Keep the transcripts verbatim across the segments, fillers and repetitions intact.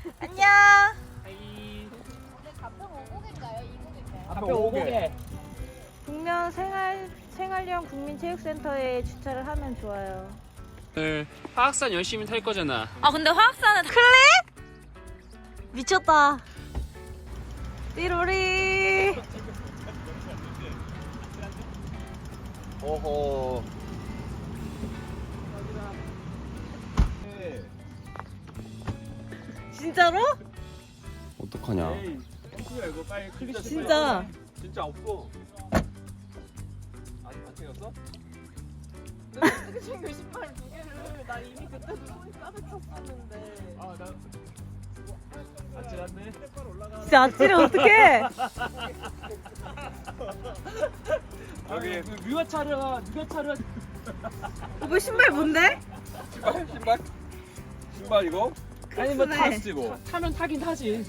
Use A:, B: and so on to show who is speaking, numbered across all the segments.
A: 안녕.
B: 가평 오곡인가요? 이곡인가요?
C: 앞에 오곡에.
A: 북면 생활 생활형 국민체육센터에 주차를 하면 좋아요.
D: 오늘 화학산 열심히 탈 거잖아.
A: 아 근데 화학산은 클릭? 미쳤다. 띠로리.
C: 오호.
A: 진짜로?
D: 어떡하냐?
C: 에이, 야 이거 빨리 클릭.
A: 진짜.
C: 진짜 없어. 안, 안 챙겼어?
B: 어떻게 챙겨 신발 두 개를? 나 이미 그때 손이 가득 찼었는데.
C: 아, 나 아찔한데.
A: 진짜 아찔해 어떡해?
C: 여기 그 누가 차려? 누가 차려?
A: 오빠 신발 뭔데?
C: 신발? 신발? 신발 이거? 아니 뭐
A: 크로스네.
C: 타스 이거.
D: 타면 타긴 타지.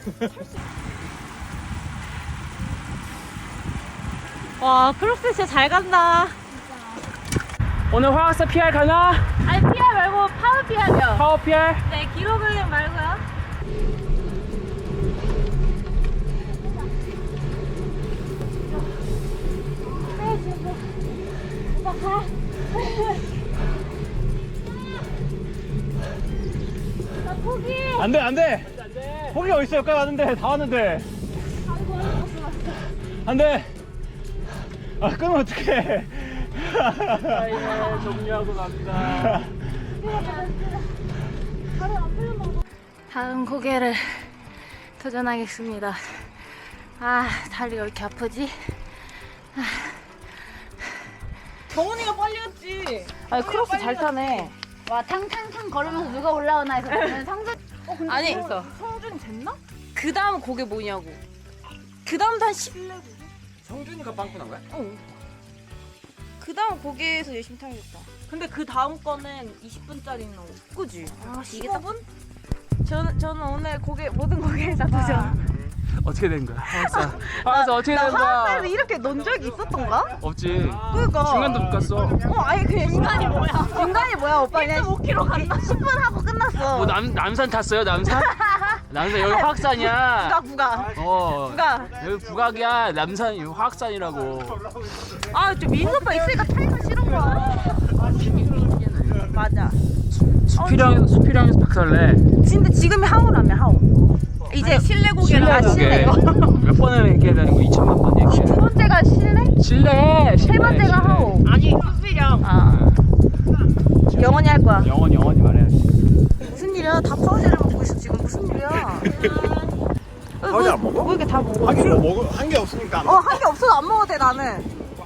A: 와 크로스 진짜 잘 간다.
D: 오늘 화학산 피알 가나?
A: 아니 피알 말고 파워 피알이요.
D: 파워 피알?
A: 네 기록을 말고요.
C: 안돼 안돼. 포기 어디 있어? 여기까지 왔는데 다 왔는데. 안돼. 아 끊으면 어떡해. 정리하고 갑니다.
A: 다음 고개를 도전하겠습니다. 아 다리가 왜 이렇게 아프지?
B: 정훈이가 빨리 왔지.
A: 아니 크로스 잘 타네.
E: 와 탕탕탕 걸으면서 누가 올라오나 해서 저는 상상
A: 아니
B: 성준이 됐나?
A: 그 다음 고개 뭐냐고. 그 다음 한 십.
C: 성준이가 빵꾸난 거야?
A: 그 다음 고개에서 열심히 타야겠다.
B: 근데 그 다음 거는 이십 분짜리는
A: 그지? 아
B: 이게
A: 십오 분? 저는 저는 오늘 고개 모든 고개에 다 도전.
D: 어떻게 된 거야? 화학산. 화학산 어떻게
A: 나
D: 된 거야?
A: 화학산에서 이렇게 논 적이 있었던가?
D: 없지.
A: 그니까.
D: 중간도 못 갔어.
A: 어 아니 그 인간이 뭐야? 인간이 뭐야 오빠 그냥 일 점 오 킬로미터 갔나? 십 분 하고 끝났어.
D: 뭐 남, 남산 탔어요? 남산? 남산 여기 화학산이야.
A: 부각 부각.
D: 어.
A: 부각.
D: 여기 부각이야. 남산 여기 화학산이라고.
A: 아저 민수 오빠 있으니까 타기가 싫은 거야. 맞아.
D: 수피령 수피령에서 박살내.
A: 근데 지금이 하오라며 하오. 이제 실내 고개를 아 실내.
D: 몇 번을 얘기해야 되는 거? 이천만 번 얘기해.
A: 두 번째가 실내?
D: 실내.
A: 세 번째가 하오.
B: 아니 수비령.
A: 아. 영원히 할 거야.
D: 영원히 영원히 말해야지.
A: 무슨 일이야? 다 파우제를 먹고 있어 지금 무슨 일이야?
C: 파우제 안 먹어?
A: 뭐 이렇게 다 먹어?
C: 하긴 뭐 먹어 한 게 없으니까.
A: 어 한 게 없어도 안 먹어도 돼 나는.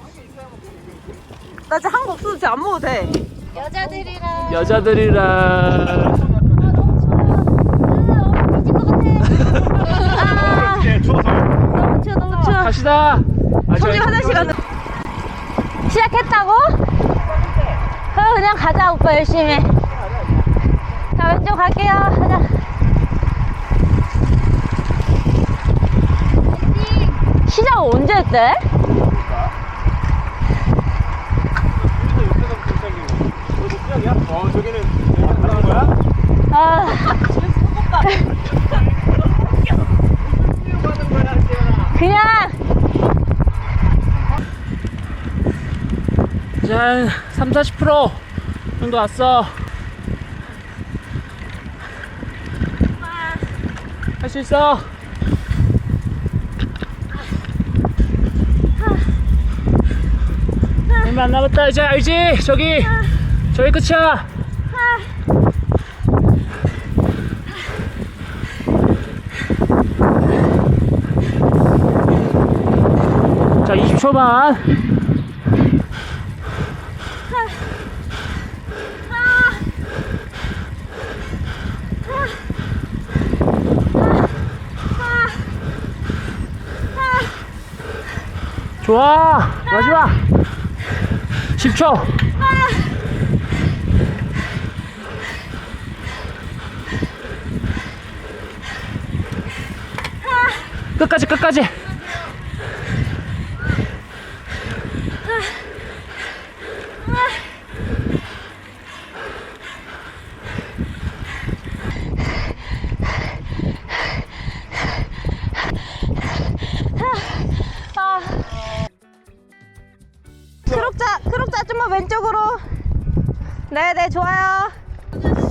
A: 나 진짜 한 거 없어도 진짜 안 먹어도 돼.
E: 여자들이랑
D: 여자들이랑
E: 아 너무 추워요. 아 뒤질 것 같아.
A: 아
C: 예, 추워서.
A: 너무 추워 너무 추워.
D: 갑시다. 아,
A: 성지 화장실 가는. 시작했다고? 그럼 그냥 가자 오빠 열심히. 자 왼쪽 갈게요. 가자. 시작 언제 했대?
C: 어 저기는 하는 거야?
A: 아 그냥
D: 이제 한 삼, 사십 퍼센트 정도 왔어. 할 수 있어. 얼마 안 남았다. 이제 알지? 저기 저기 끝이야. 자 이십 초만. 좋아 마지막 십 초. 끝까지 끝까지.
A: 크록자 크록자 좀만 왼쪽으로. 네네 좋아요.